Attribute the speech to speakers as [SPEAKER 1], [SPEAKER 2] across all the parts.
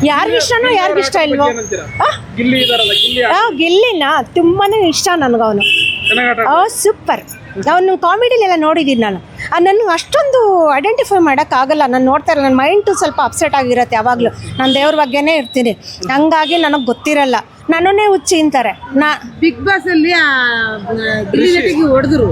[SPEAKER 1] ಯಾರಿಗ ಇಷ್ಟನೋ ಯಾರಿಗ ಇಷ್ಟ ಇಲ್ವೋ.
[SPEAKER 2] ಗಿಲ್ಲಿ ಇದಾರಲ್ಲ, ಗಿಲ್ಲಿ
[SPEAKER 1] ಗಿಲ್ಲಿನ ತುಂಬಾನೇ ಇಷ್ಟ ನನಗವನು. ಸೂಪರ್. ಅವನು ಕಾಮಿಡಿಲೆಲ್ಲ ನೋಡಿದ್ದೀನಿ ನಾನು. ನನಗೆ ಅಷ್ಟೊಂದು ಐಡೆಂಟಿಫೈ ಮಾಡೋಕ್ಕಾಗಲ್ಲ. ನಾನು ನೋಡ್ತಾ ಇರಲ್ಲ, ನನ್ನ ಮೈಂಡು ಸ್ವಲ್ಪ ಅಪ್ಸೆಟ್ ಆಗಿರುತ್ತೆ ಯಾವಾಗಲೂ. ನಾನು ದೇವ್ರ ಬಗ್ಗೆನೇ ಇರ್ತೀನಿ, ಹಂಗಾಗಿ ನನಗೆ ಗೊತ್ತಿರಲ್ಲ. ನನ್ನನ್ನೇ ಹುಚ್ಚಿ ಅಂತಾರೆ.
[SPEAKER 3] ಬಿಗ್ ಬಾಸ್ ಅಲ್ಲಿ ಹೊಡೆದ್ರು,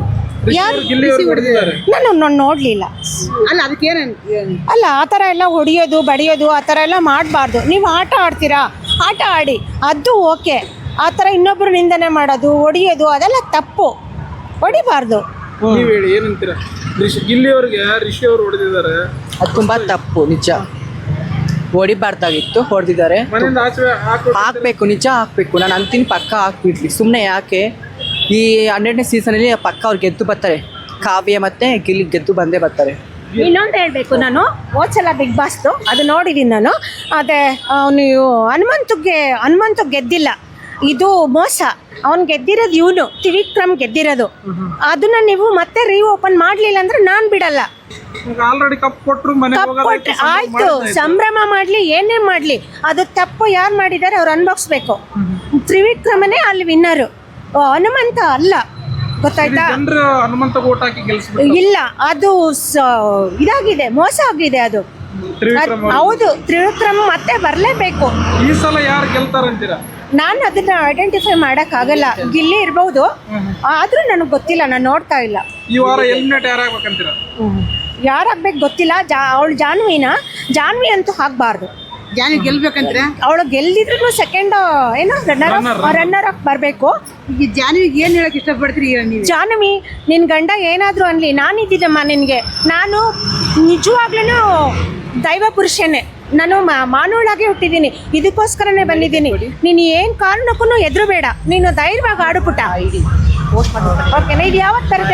[SPEAKER 1] ನಾನು ನೋಡಲಿಲ್ಲ.
[SPEAKER 3] ಅಲ್ಲ ಅದಕ್ಕೇನು
[SPEAKER 1] ಅಲ್ಲ, ಆ ಥರ ಎಲ್ಲ ಹೊಡಿಯೋದು ಬಡಿಯೋದು ಆ ಥರ ಎಲ್ಲ ಮಾಡಬಾರ್ದು. ನೀವು ಆಟ ಆಡ್ತೀರಾ, ಆಟ ಆಡಿ, ಅದು ಓಕೆ. ಆ ಥರ ಇನ್ನೊಬ್ಬರು ನಿಂದನೆ ಮಾಡೋದು, ಹೊಡಿಯೋದು ಅದೆಲ್ಲ ತಪ್ಪು, ಹೊಡಿಬಾರ್ದು.
[SPEAKER 2] ನೀವ್ ಹೇಳಿ ಏನಂತೀರಾ? ಗಿಲ್ಲಿ ಅವ್ರಿಗೆ ರಿಷಿ ಅವರು ಹೊಡೆದಿದ್ದಾರೆ,
[SPEAKER 4] ಅದು ತುಂಬಾ ತಪ್ಪು. ನಿಜ, ಹೊಡಿಬಾರ್ದಾಗಿತ್ತು, ಹೊಡೆದಿದ್ದಾರೆ.
[SPEAKER 2] ಮನೆಯಿಂದ ಆಚೆ
[SPEAKER 4] ಹಾಕ್ಬೇಕು, ನಿಜ ಹಾಕ್ಬೇಕು. ನಾನು ಅಂತೀನಿ ಪಕ್ಕ ಹಾಕ್ಬಿಡ್ಲಿ. ಸುಮ್ಮನೆ ಯಾಕೆ? ಈ 12ನೇ ಸೀಸನಲ್ಲಿ ಪಕ್ಕ ಅವ್ರು ಗೆದ್ದು ಬರ್ತಾರೆ. ಕಾವ್ಯ ಮತ್ತೆ ಗಿಲ್ಲಿ ಗೆದ್ದು ಬಂದೇ ಬರ್ತಾರೆ.
[SPEAKER 1] ಇನ್ನೊಂದು ಹೇಳಬೇಕು, ನಾನು ಹೋದ್ಸಲ ಬಿಗ್ ಬಾಸ್ದು ಅದು ನೋಡಿದ್ದೀನಿ ನಾನು. ಅದೇ ಅವನು ಹನುಮಂತು ಗೆದ್ದಿಲ್ಲ, ಇದು ಮೋಸ. ಅವ್ನು ಗೆದ್ದಿರೋದು, ಇವನು ತ್ರಿವಿಕ್ರಮ್ ಗೆದ್ದಿರೋದು. ಅದನ್ನ ನೀವು ಮತ್ತೆ ರೀಓಪನ್ ಮಾಡಲಿಲ್ಲ ಅಂದ್ರೆ ನಾನು ಬಿಡಲ್ಲ.
[SPEAKER 2] ಆಲ್ರೆಡಿ ಕಪ್ ಕೊಟ್ಟರು,
[SPEAKER 1] ಆಯ್ತು, ಸಂಭ್ರಮ ಮಾಡಲಿ, ಏನೇ ಮಾಡಲಿ, ಅದು ತಪ್ಪು ಯಾರು ಮಾಡಿದ್ದಾರೆ ಅವ್ರು ಅನ್ಭವಿಸ್ಬೇಕು. ತ್ರಿವಿಕ್ರಮನೇ ಅಲ್ಲಿ ವಿನ್ನರು, ಹನುಮಂತ ಅಲ್ಲ. ಗೊತ್ತಾಯ್ತಾ?
[SPEAKER 2] ಹನುಮಂತ ಓಟ್ ಹಾಕಿ
[SPEAKER 1] ಇಲ್ಲ, ಅದು ಇದಾಗಿದೆ, ಮೋಸ ಆಗಿದೆ ಅದು. ಹೌದು, ತ್ರಿವಿಕ್ರಮ್ ಮತ್ತೆ ಬರಲೇಬೇಕು.
[SPEAKER 2] ಈ ಸಲ ಯಾರು ಗೆಲ್ತಾರಂತೀರಾ?
[SPEAKER 1] ನಾನು ಅದನ್ನ ಐಡೆಂಟಿಫೈ ಮಾಡೋಕ್ಕಾಗಲ್ಲ. ಗಿಲ್ಲಿ ಇರ್ಬೋದು, ಆದ್ರೂ ನನಗೆ ಗೊತ್ತಿಲ್ಲ, ನಾನು ನೋಡ್ತಾ ಇಲ್ಲ.
[SPEAKER 2] ಈ ವಾರ ಎಲಿಮಿನೇಟ್ ಯಾರಾಗಬೇಕಂತೀರಾ?
[SPEAKER 1] ಯಾರಾಗ್ಬೇಕು ಗೊತ್ತಿಲ್ಲ. ಅವಳು ಜಾನ್ವಿ ಅಂತೂ ಹಾಕ್ಬಾರ್ದು.
[SPEAKER 3] ಜಾನಿ ಗೆಲ್ಬೇಕಂದ್ರೆ
[SPEAKER 1] ಅವಳು ಗೆಲ್ದಿದ್ರು ಸೆಕೆಂಡ್ ಏನೋ ರನ್ನರ್ ಅಪ್ ಬರಬೇಕು.
[SPEAKER 3] ಈ ಜಾನ್ವಿಗೆ ಏನು ಹೇಳಕ್ ಇಷ್ಟಪಡ್ತೀರಿ ನೀವು?
[SPEAKER 1] ಜಾನ್ವಿ, ನಿನ್ನ ಗಂಡ ಏನಾದರೂ ಅನ್ಲಿ, ನಾನಿದ್ದೀನಮ್ಮ ನಿನಗೆ. ನಾನು ನಿಜವಾಗ್ಲೂ ದೈವ ಪುರುಷನೇ. ನಾನು ಮಾನವಳಾಗೆ ಹುಟ್ಟಿದ್ದೀನಿ, ಇದಕ್ಕೋಸ್ಕರನೇ ಬಂದಿದ್ದೀನಿ. ನೀನು ಏನು ಕಾರಣಕ್ಕೂ ಎದುರು ಬೇಡ, ನೀನು ಧೈರ್ಯವಾಗಿ ಆಡುಪುಟ. ಓಕೆನಾ? ಇದು ಯಾವತ್ತು ಬರುತ್ತೆ?